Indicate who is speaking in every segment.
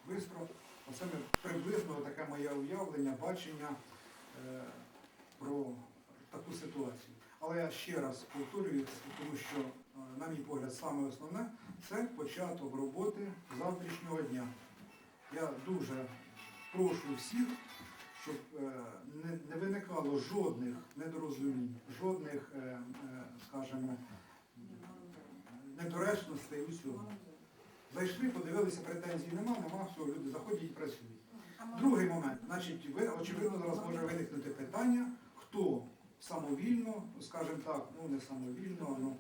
Speaker 1: швидко. Оце приблизно таке моє уявлення, бачення про таку ситуацію. Але я ще раз повторюю, тому що, на мій погляд, саме основне – це початок роботи завтрашнього дня. Я дуже прошу всіх, щоб не виникало жодних недорозумінь, жодних, скажімо, недоречностей у цьому. Зайшли, подивилися, претензій нема, все, люди заходять і працюють. Другий момент, значить, очевидно, зараз може виникнути питання, хто самовільно, скажімо так, ну не самовільно, ну,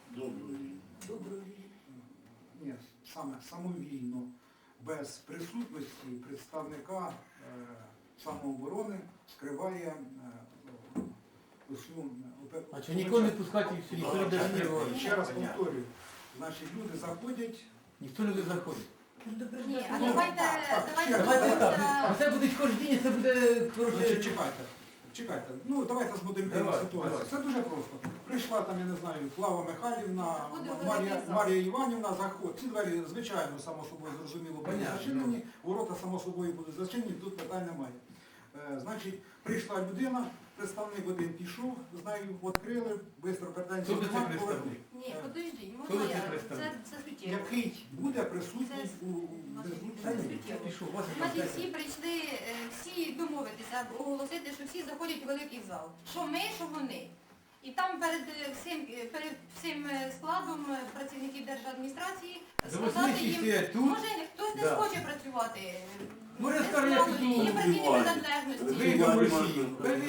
Speaker 1: ні, саме самовільно, без присутності представника самооборони скриває усю...
Speaker 2: А чи нікого не пускати і ніхто не дає?
Speaker 1: Ще раз повторюю, значить, люди заходять.
Speaker 2: Ніхто не заходить.
Speaker 3: Ні, а давайте
Speaker 2: так. А це буде хождіння, це буде, коротше...
Speaker 1: Чекайте. Ну, давайте змоделюємо ситуацію. Це дуже просто. Прийшла там, я не знаю, Клава Михайлівна, Марія Іванівна, заходить. Ці двері, звичайно, само собою зрозуміло, будуть зачинені, ворота, само собою, будуть зачинені, тут питань немає. Значить, прийшла людина, представник один пішов, з нею відкрили, швидко претензії немає, повернули.
Speaker 3: Ні, подожди, можна я? Це суттєво.
Speaker 1: Який буде присутній у
Speaker 3: Значить, всі прийшли, всі домовитися, оголосити, що всі заходять у великий зал. Що ми, що вони. І там перед всім складом працівників держадміністрації сказати їм, може хтось не схоче працювати.
Speaker 2: Може, скажу, я піду
Speaker 3: Є працівні приналежності.
Speaker 2: вийду в Росію.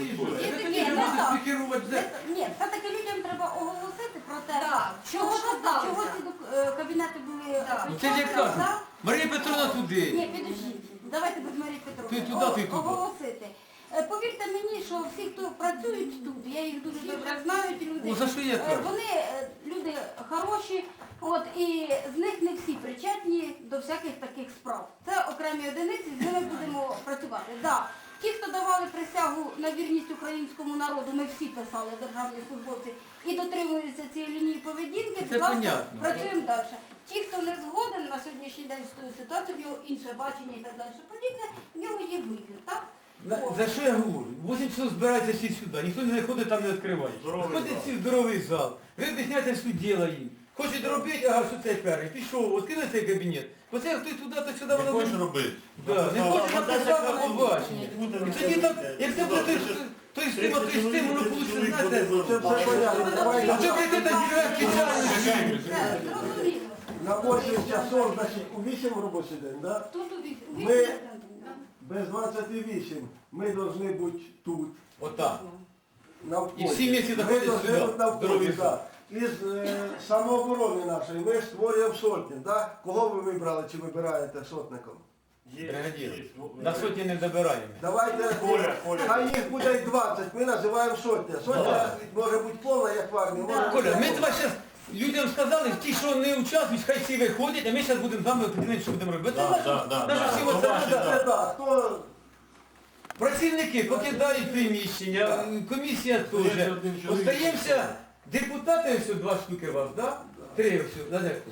Speaker 4: Ні, все-таки людям треба оголосити про те,
Speaker 3: Так,
Speaker 4: чого
Speaker 3: сталося.
Speaker 4: ці кабінети були
Speaker 2: Ну це ж як кажуть,
Speaker 4: да?
Speaker 2: Марія Петровна туди.
Speaker 4: Ні, підождіть. Давайте без Марії
Speaker 2: Ти
Speaker 4: Петровни.
Speaker 2: туди, ти туди.
Speaker 4: Оголосити. Повірте мені, що всі, хто працюють тут, я їх дуже добре знаю, ті люди.
Speaker 2: Ну, за що я кажу?
Speaker 4: Вони люди хороші, от, і з них не всі причетні до всяких таких справ. Це окремі одиниці, з ними будемо працювати. Да. Ті, хто давали присягу на вірність українському народу, ми всі писали, державні службовці, і дотримуються цієї лінії поведінки,
Speaker 2: Це
Speaker 4: будь ласка,
Speaker 2: понятно.
Speaker 4: працюємо далі. Ті, хто не згоден на сьогоднішній день з тою ситуацією, в нього інше бачення і так далі подібне, в нього є вибір, так?
Speaker 2: За що я говорю? 8 часов збирається всі сюди, ніхто не ходить там не відкриває. Ходять всі в здоровий зал. Ви об'ясняєте, що діло їм. Хочуть робити, ага, що цей перший. Пішов, відкрили цей кабінет. Оце хтось туди, то сюди, воно
Speaker 5: хочеш робити.
Speaker 2: Да, не хоче написати побачення. І тоді так, як це буде той з тим, воно вийде, знаєте,
Speaker 6: Це все понятно.
Speaker 2: а це прийти та дірек спеціально.
Speaker 4: Це зрозуміло.
Speaker 6: На 8 часов, значить, у 8 робочий день, да?
Speaker 4: Тут у
Speaker 6: Ми-
Speaker 4: вісім.
Speaker 6: Без 28 ми повинні бути тут,
Speaker 2: Отак.
Speaker 6: на вході.
Speaker 2: І всі місці заходять
Speaker 6: Ми повинні
Speaker 2: сюди,
Speaker 6: бути на вході,
Speaker 2: здоровий
Speaker 6: да. Із самооборони нашої ми створюємо сотні, да? Кого ви вибрали чи вибираєте сотником?
Speaker 2: Бригадір. На сотні не добираємо.
Speaker 6: Давайте, хай їх буде й 20, ми називаємо сотня. Сотня може бути повна, як в армії. може бути
Speaker 2: Коля, ми
Speaker 6: повна.
Speaker 2: тебе зараз людям сказали, ті, що не участвують, хай всі виходять, а ми зараз будемо з вами определити, що будемо робити. Навіть всі оце,
Speaker 6: Це да, хто...
Speaker 2: працівники покидають приміщення, комісія теж. Остаємося, депутати, ось 2 штуки вас, да? 3 ось, да, де?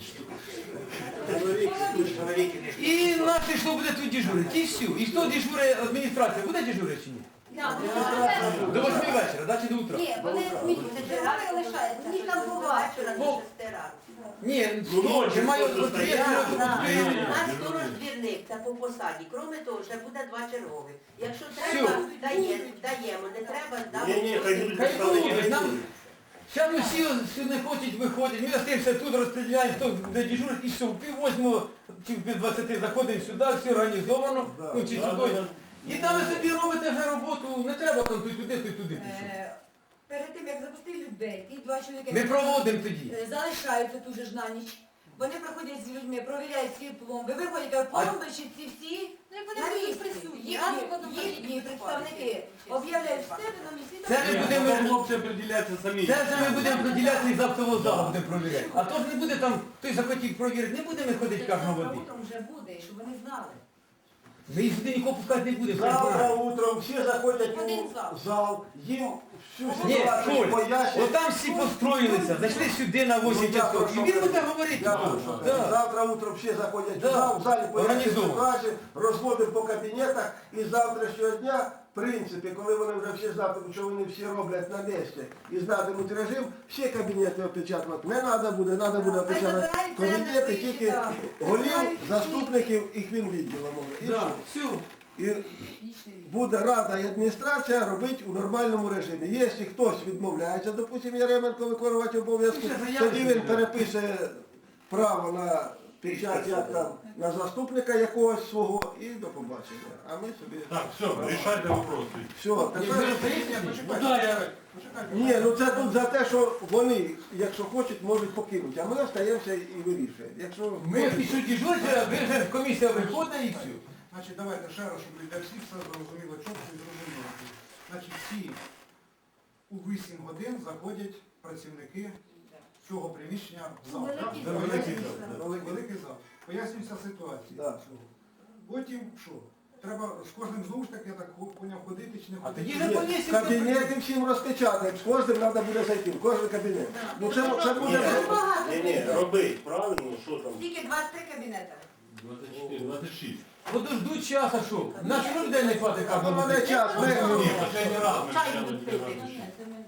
Speaker 2: І наші, що буде тут дежурити, і все. І хто дежурить, адміністрація буде дежурити чи ні? До 8 вечора, да, чи до утра?
Speaker 4: Ні, вони дежурки лишаються. Ні, там буває.
Speaker 2: Ні, немає відповідальності.
Speaker 7: Наш сторож-двірник, це по посаді. Кроме того, ще буде 2 чергових. Якщо треба, даємо, не треба,
Speaker 5: Ні, хай
Speaker 7: дамо.
Speaker 5: будуть
Speaker 2: Хай
Speaker 5: представники.
Speaker 2: будуть, нам зараз всі не хочуть виходять, ми остаємося тут, розстріляємо, хто де дежурить, і все, в 7:30 чи в 20 заходимо сюди, все організовано, ну чи сюди. І там ви собі робите вже роботу, не треба там туди пішов.
Speaker 8: Перед тим, як запустити людей, ті 2 чоловіки
Speaker 2: Ми проводимо тоді.
Speaker 8: залишаються тут же ж на ніч. Вони проходять з людьми, провіряють свої пломби, виходять, пломби, ці всі
Speaker 3: Ну, як вони
Speaker 8: на
Speaker 3: будуть
Speaker 8: місці.
Speaker 3: присутні, разом потім
Speaker 8: Їхні представники об'являють в себе на місці.
Speaker 2: Це ми будемо
Speaker 5: Хлопці приділяться самі.
Speaker 2: Це вже ми будемо приділяти і з автового залу будемо провіряти. А то ж не буде там, хтось захотів провірити, не будемо ходити кожного води.
Speaker 8: Утром вже буде, щоб вони знали.
Speaker 2: Ми їх сюди нікого пускати не будемо.
Speaker 6: Завтра утром всі заходять
Speaker 3: Один
Speaker 6: у
Speaker 3: зал.
Speaker 6: зал, їм всю
Speaker 2: Ні,
Speaker 6: ситуацію
Speaker 2: Коль,
Speaker 6: пояснює.
Speaker 2: отам всі построїлися, зайшли сюди на 8
Speaker 6: Ну,
Speaker 2: часов. І він буде говорити.
Speaker 6: Я прошу.
Speaker 2: Да.
Speaker 6: Завтра утром всі заходять
Speaker 2: Да.
Speaker 6: в зал, в залі пояснюють
Speaker 2: Організовано.
Speaker 6: ситуацію, розводимо по кабінетах і з завтрашнього дня, в принципі, коли вони вже всі знатимуть, що вони всі роблять на місці і знатимуть режим, всі кабінети опечатувати не треба буде, треба буде опечатати кабінети тільки голів, заступників і хвінвідділу. І
Speaker 2: Да,
Speaker 6: все.
Speaker 2: все.
Speaker 6: І буде рада і адміністрація робити у нормальному режимі. Якщо хтось відмовляється, допустимо, Яременко виконувати обов'язки,
Speaker 2: Ну, це
Speaker 6: тоді
Speaker 2: заявки.
Speaker 6: він перепише право на печать як там, на заступника якогось свого і до побачення. А ми собі...
Speaker 5: Так, все, рішайте вопроси.
Speaker 6: Все,
Speaker 2: Ні,
Speaker 6: тепер...
Speaker 2: ви
Speaker 1: Почекайте.
Speaker 2: Ну да, я...
Speaker 1: Почекайте.
Speaker 6: Ні, ну це тут за те, що вони, якщо хочуть, можуть покинути, а ми остаємося і вирішуємо. Якщо
Speaker 2: Ми пішли дежурити, ви вже комісія виходить і все.
Speaker 1: Значить, давайте ще раз, щоб для всіх все зрозуміло, чітко і зрозуміло. Значить, всі у 8 годин заходять працівники цього приміщення в зал.
Speaker 4: Великий
Speaker 1: Так?
Speaker 4: зал.
Speaker 1: Великий зал. Великий зал. Пояснюється ситуація.
Speaker 6: Да.
Speaker 1: Потім що? Треба з кожним знову ж таки, я так поняв, ходити чи не
Speaker 2: А
Speaker 1: ходити.
Speaker 2: тоді
Speaker 6: Ні,
Speaker 2: же комісія...
Speaker 6: кабінети всім розпечатаємо, з кожним треба буде зайти, в кожен кабінет. Ну це буде...
Speaker 5: Ні, робить, правильно, що там?
Speaker 8: Тільки 23 кабінети.
Speaker 5: 24, 26.
Speaker 2: Подождуть час, а що? На що людей не хватить
Speaker 6: А
Speaker 2: кабінету?
Speaker 6: мене час,
Speaker 5: Ні, останній раз ми
Speaker 8: Чай
Speaker 5: почали
Speaker 8: будуть пити.
Speaker 5: розбиратися.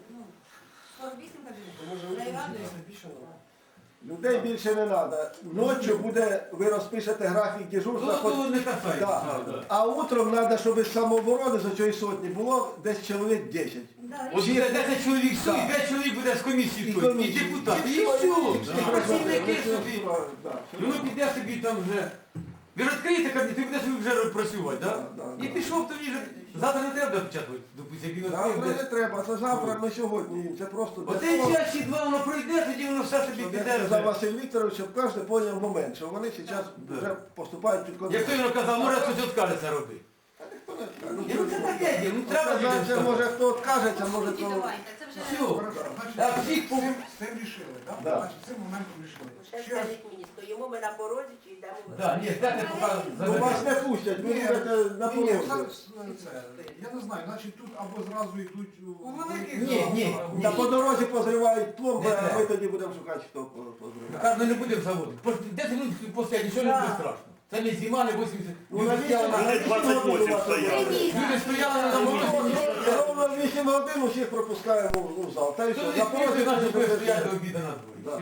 Speaker 8: 48 кабінетів. Найрадує.
Speaker 6: Людей більше не треба. Ночі буде, ви розпишете графік дежурства.
Speaker 2: Ну, то не касається.
Speaker 6: Да. А утром треба, щоб із самооборони з цієї сотні було десь чоловік 10.
Speaker 2: От буде 10 чоловік сюди, 5 чоловік буде з комісії той, і депутат. І все. І працівники собі. І воно піде собі там вже. Ви відкриєте кабінет, ти будеш вже працювати,
Speaker 6: Да,
Speaker 2: так?
Speaker 6: да,
Speaker 2: І
Speaker 6: да.
Speaker 2: пішов тоді вже. Завтра не треба допечатувати, допустим, як він
Speaker 6: Завтра не
Speaker 2: відкриє.
Speaker 6: треба, це завтра, не сьогодні. Це просто для
Speaker 2: Оцей
Speaker 6: того,
Speaker 2: час чи два воно пройде, тоді воно все собі
Speaker 6: щоб
Speaker 2: піде.
Speaker 6: як сказав
Speaker 2: вже.
Speaker 6: Василь Вікторович, щоб кожен поняв момент, що вони зараз вже поступають під контроль.
Speaker 2: Як той він казав, може хтось відкажеться робити. Ні, ну це таке діло, ну треба людям
Speaker 6: Це
Speaker 2: сказати.
Speaker 6: може хто відкажеться, може
Speaker 3: Суті
Speaker 6: хто...
Speaker 3: давайте, це вже...
Speaker 2: Все.
Speaker 1: Хорошо, значить,
Speaker 2: Так, всіх
Speaker 1: з цим рішили, так?
Speaker 6: Да.
Speaker 1: Значить, цим моментом рішили.
Speaker 7: Ще
Speaker 1: Ще раз,
Speaker 7: скажіть мені, стоїмо ми на порозі чи йдемо в
Speaker 2: Так, ні, це не поки
Speaker 6: Ну вас
Speaker 2: заберете.
Speaker 6: не пустять, ви будете на
Speaker 1: ні,
Speaker 6: порозі.
Speaker 1: я не знаю, значить тут або зразу йдуть у великий
Speaker 2: Ні,
Speaker 1: зал,
Speaker 2: ні,
Speaker 1: або-
Speaker 2: ні.
Speaker 6: Та по дорозі позривають пломби,
Speaker 2: Не
Speaker 6: а ми
Speaker 2: треба.
Speaker 6: тоді будемо шукати, хто позриває.
Speaker 2: Каже, ми не будемо заводити. 10 минут після нічого не буде страшно. Це не зима, не 80.
Speaker 6: Ну,
Speaker 2: Люди стояли на...
Speaker 5: Вони 28 стояли.
Speaker 2: Люди стояли на морозі.
Speaker 6: Ровно в 8 годин усіх пропускаємо у зал. Та й
Speaker 2: Хто
Speaker 6: все.
Speaker 2: не
Speaker 6: На
Speaker 2: спішить,
Speaker 6: порозі
Speaker 2: наші буде
Speaker 6: буде
Speaker 2: стояти до обіду на дворі.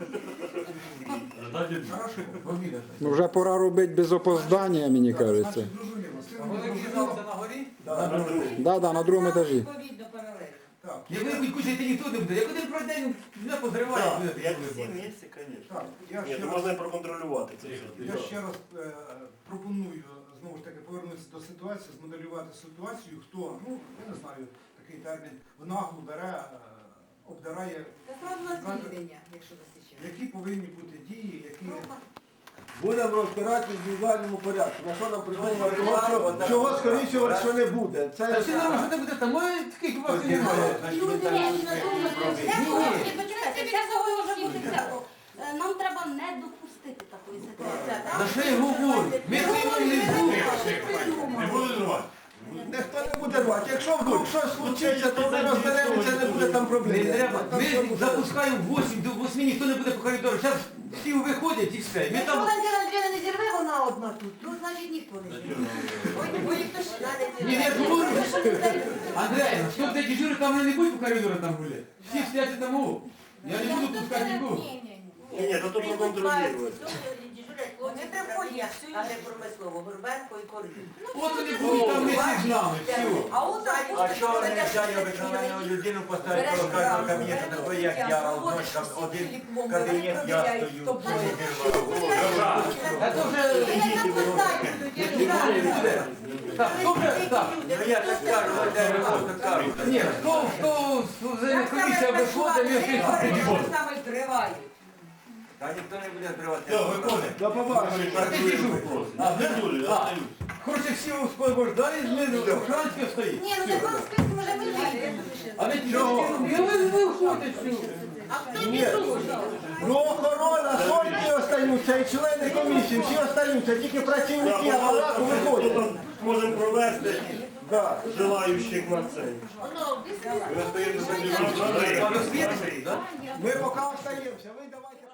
Speaker 5: Ждать від-
Speaker 1: Хорошо.
Speaker 2: До обіду.
Speaker 9: Ну вже пора робити без опоздання, мені
Speaker 1: Так,
Speaker 9: кажеться.
Speaker 1: значить, зрозуміло. З цим
Speaker 2: Великий
Speaker 1: зрозуміло.
Speaker 2: зал це на горі?
Speaker 6: Да,
Speaker 2: На другому.
Speaker 9: Да, на другому етажі.
Speaker 8: Відповідно паралельно.
Speaker 1: Так,
Speaker 2: Як ви не кушаєте, ніхто не буде. Як один пройде, не позриває.
Speaker 5: Так,
Speaker 2: буде
Speaker 5: як
Speaker 2: такий
Speaker 5: всі
Speaker 2: вибір.
Speaker 5: місці, звісно.
Speaker 1: так, я
Speaker 5: Ні,
Speaker 1: ще
Speaker 5: то
Speaker 1: раз...
Speaker 5: можна і проконтролювати це все.
Speaker 1: Я ще раз пропоную знову ж таки повернутися до ситуації, змоделювати ситуацію, хто, ну, я не знаю, такий термін, в наглу бере, обдирає,
Speaker 8: Це сразу на звільнення, якщо засіче.
Speaker 1: які повинні бути дії, які...
Speaker 6: Будемо розбирати в індивідуальному порядку. На що нам придумати? Чого скоріше, що не буде.
Speaker 2: Та
Speaker 6: Це
Speaker 2: всі нормально, що ти буде там? Ой, таких у вас і немає.
Speaker 4: Люди не на тому
Speaker 2: Ні.
Speaker 4: почекайте, це всього може бути всяко. Нам треба не допустити такої ситуації.
Speaker 2: За що я говорю? Ми своїм не будемо.
Speaker 5: Не буду зривати.
Speaker 6: ніхто не буде рвати. Якщо вдруг щось случиться, то ми розберемося, не буде там проблем.
Speaker 2: Не треба.
Speaker 6: Там все
Speaker 2: Ми
Speaker 6: буде.
Speaker 2: запускаємо 8 до 8, ніхто не буде по коридору. Зараз всі виходять і все. Ми
Speaker 8: Якщо
Speaker 2: там...
Speaker 8: Валентина Андріївна не зірве, вона одна тут, ну значить ніхто не зірве. Ой, ніхто ж
Speaker 2: Ні, я ж говорю, Андрей, хто буде дежурити, там вони не будуть по коридору там гуляти. Всі стоять там у. Я не буду пускати нікого.
Speaker 5: Ні, то проконтролювати.
Speaker 7: Дежурять хлопці,
Speaker 8: Вони приходять,
Speaker 7: а не промислово, Горбенко і Коржик.
Speaker 2: От вони будуть там вместе з нами. Все.
Speaker 8: А от так,
Speaker 10: А що вони взяли обикновену людину поставити коло кожного кабінету, такий як я, одночі там один кабінет, я стою,
Speaker 2: А то вже... Так, хто вже... Так.
Speaker 10: Ну я так кажу, де ви просто кажу.
Speaker 2: Ні, хто з комісія виходить, ми всі придіжджали.
Speaker 8: саме тривають.
Speaker 10: Та ніхто не буде відкривати.
Speaker 5: Все, виходить.
Speaker 6: До побачення.
Speaker 2: А ти дежур.
Speaker 5: А, дежурі, остаюсь.
Speaker 2: Короче, всі освобождали, знизу охранське стоїть.
Speaker 8: Ні, ну не вам списку може ми вийти.
Speaker 2: А ви чого? Ви виходите всю.
Speaker 8: А хто
Speaker 6: Ні.
Speaker 8: не служить?
Speaker 6: Ну охорона, сотні остаються, і члени комісії, всі остаються, тільки працівники апарату виходять.
Speaker 5: Можемо провести.
Speaker 6: Да.
Speaker 5: Желаючих на це.
Speaker 7: Воно,
Speaker 10: Ви остаєтеся
Speaker 5: Андрій,
Speaker 2: А ви світите, так?
Speaker 6: Ми поки остаємося, ви давайте.